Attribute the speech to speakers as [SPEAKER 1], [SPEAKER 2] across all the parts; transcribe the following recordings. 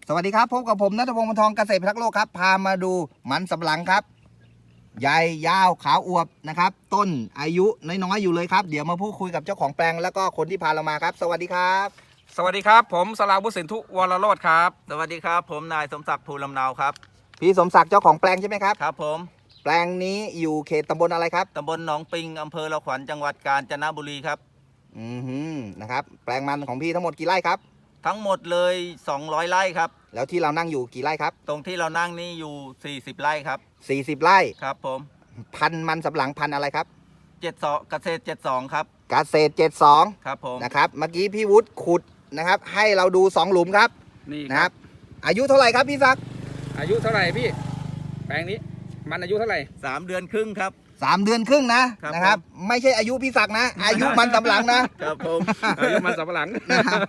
[SPEAKER 1] สวัสดีครับพบกับผมณัฐพงศ์ วรรณทองเกษตรพิทักษ์โลกครับพามาดูมันสำปะหลังครับใหญ่ยาวขาวอวบนะครับต้นอายุน้อยๆอยู่เลยครับเดี๋ยวมาพูดคุยกับเจ้าของแปลงแล้วก็คนที่พาเรามาครับสวัสดีครับ
[SPEAKER 2] สวัสดีครับผมสราวุฒิสินธุวรโรจน์ครับ
[SPEAKER 3] สวัสดีครับผมนายสมศักดิ์ภูลำเนาครับ
[SPEAKER 1] พี่สมศักดิ์เจ้าของแปลงใช่ไหมครับ
[SPEAKER 3] ครับผม
[SPEAKER 1] แปลงนี้อยู่เขตตำบลอะไรครับ
[SPEAKER 3] ตำบลหนองปิงอำเภอละขวัญจังหวัดกาญจนบุรีครับ
[SPEAKER 1] นะครับแปลงมันของพี่ทั้งหมดกี่ไร่ครับ
[SPEAKER 3] ทั้งหมดเลย200ไร่ครับ
[SPEAKER 1] แล้วที่เรานั่งอยู่กี่ไร่ครับ
[SPEAKER 3] ตรงที่เรานั่งนี่อยู่40ไร่ครับ
[SPEAKER 1] 40ไร่
[SPEAKER 3] ครับผม
[SPEAKER 1] พันมันสำปะหลังพันอะไรครับ
[SPEAKER 3] 72เกษตร72ครับ
[SPEAKER 1] เกษตร72
[SPEAKER 3] ครับผม
[SPEAKER 1] นะครับเมื่อกี้พี่วุฒิขุดนะครับให้เราดู2หลุมครับ
[SPEAKER 2] นี่
[SPEAKER 1] นะครับอายุเท่าไหร่ครับพี่ศักดิ์
[SPEAKER 2] อายุเท่าไหร่พี่แปลงนี้มันอายุเท่าไหร่
[SPEAKER 3] 3เดือนครึ่งครับ
[SPEAKER 1] 3 เดือนครึ่งนะครับไม่ใช่อายุพี่ศักดิ์นะอายุมันสำปะหลังนะครับ
[SPEAKER 3] ผม
[SPEAKER 2] อายุมันสำปะหลัง
[SPEAKER 1] นะครับ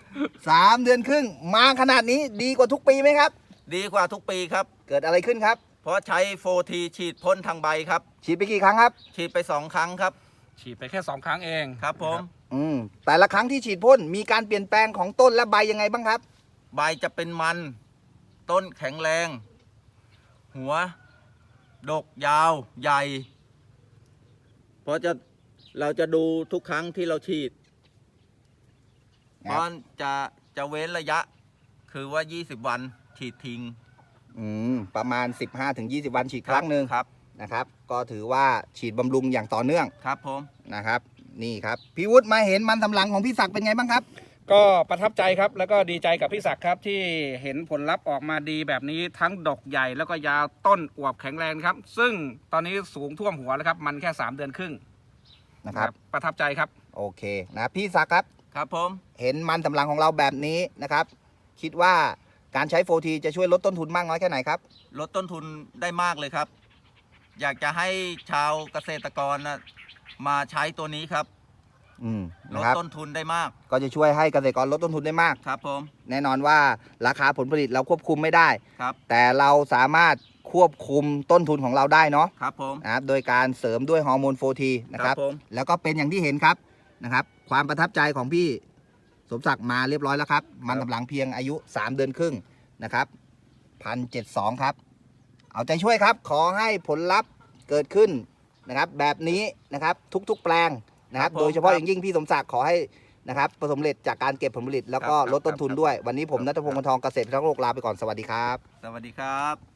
[SPEAKER 1] 3 เดือนครึ่งมาขนาดนี้ดีกว่าทุกปีไหมครับ
[SPEAKER 3] ดีกว่าทุกปีครับ
[SPEAKER 1] เกิดอะไรขึ้นครับ
[SPEAKER 3] เพราะใช้โฟทีฉีดพ่นทางใบครับ
[SPEAKER 1] ฉีดไปกี่ครั้งครับ
[SPEAKER 3] ฉีดไป2ครั้งครับ
[SPEAKER 2] ฉีดไปแค่2ครั้งเอง
[SPEAKER 3] ครับผม
[SPEAKER 1] แต่ละครั้งที่ฉีดพ่นมีการเปลี่ยนแปลงของต้นและใบยังไงบ้างครับ
[SPEAKER 3] ใบจะเป็นมันต้นแข็งแรงหัวดกยาวใหญ่เพราะเราจะดูทุกครั้งที่เราฉีดเพราะจะเว้นระยะคือว่า20วันฉีดทิ้ง
[SPEAKER 1] ประมาณ 15-20 วันฉีดครั้งหนึ่ง
[SPEAKER 3] ครับ
[SPEAKER 1] นะครับก็ถือว่าฉีดบำรุงอย่างต่อเนื่อง
[SPEAKER 3] ครับผม
[SPEAKER 1] นะครับนี่ครับพี่วุฒิมาเห็นมันสำปะหลังของพี่ศักดิ์เป็นไงบ้างครับ
[SPEAKER 2] ก็ประทับใจครับแล้วก็ดีใจกับพี่ศักดิ์ครับที่เห็นผลลัพธ์ออกมาดีแบบนี้ทั้งดกใหญ่แล้วก็ยาวต้นอวบแข็งแรงครับซึ่งตอนนี้สูงท่วมหัวแล้วครับมันแค่3เดือนครึ่ง
[SPEAKER 1] นะครับ
[SPEAKER 2] ประทับใจครับ
[SPEAKER 1] โอเคนะพี่ศักดิ์ครับ
[SPEAKER 3] ครับผม
[SPEAKER 1] เห็นมันสำปะหลังของเราแบบนี้นะครับคิดว่าการใช้โฟทีจะช่วยลดต้นทุนมากน้อยแค่ไหนครับ
[SPEAKER 3] ลดต้นทุนได้มากเลยครับอยากจะให้ชาวเกษตรกรมาใช้ตัวนี้ครับลดต้นทุนได้มาก
[SPEAKER 1] ก็จะช่วยให้เกษตรกรลดต้นทุนได้มาก
[SPEAKER 3] ครับผม
[SPEAKER 1] แน่นอนว่าราคาผลผลิตเราควบคุมไม่ได้
[SPEAKER 3] ครับ
[SPEAKER 1] แต่เราสามารถควบคุมต้นทุนของเราได้เนาะ
[SPEAKER 3] ครับผม
[SPEAKER 1] นะครับโดยการเสริมด้วยฮอร์โมนโฟทีนะครับแล้วก็เป็นอย่างที่เห็นครับนะครับความประทับใจของพี่สมศักดิ์มาเรียบร้อยแล้วครับมันสำปะหลังเพียงอายุ3 เดือนครึ่งนะครับ1,072ครับเอาใจช่วยครับขอให้ผลลัพธ์เกิดขึ้นนะครับแบบนี้นะครับทุกๆแปลงนะครับโดยเฉพาะอย่างยิ่งพี่สมศักดิ์ขอให้นะครับประสบผลสำเร็จจากการเก็บผลผลิตแล้วก็ลดต้นทุนด้วยวันนี้ผมณัฐพงศ์ วรรณทองเกษตรพิทักษ์โลกลาไปก่อนสวัสดีครับ
[SPEAKER 3] สวัสดีครับ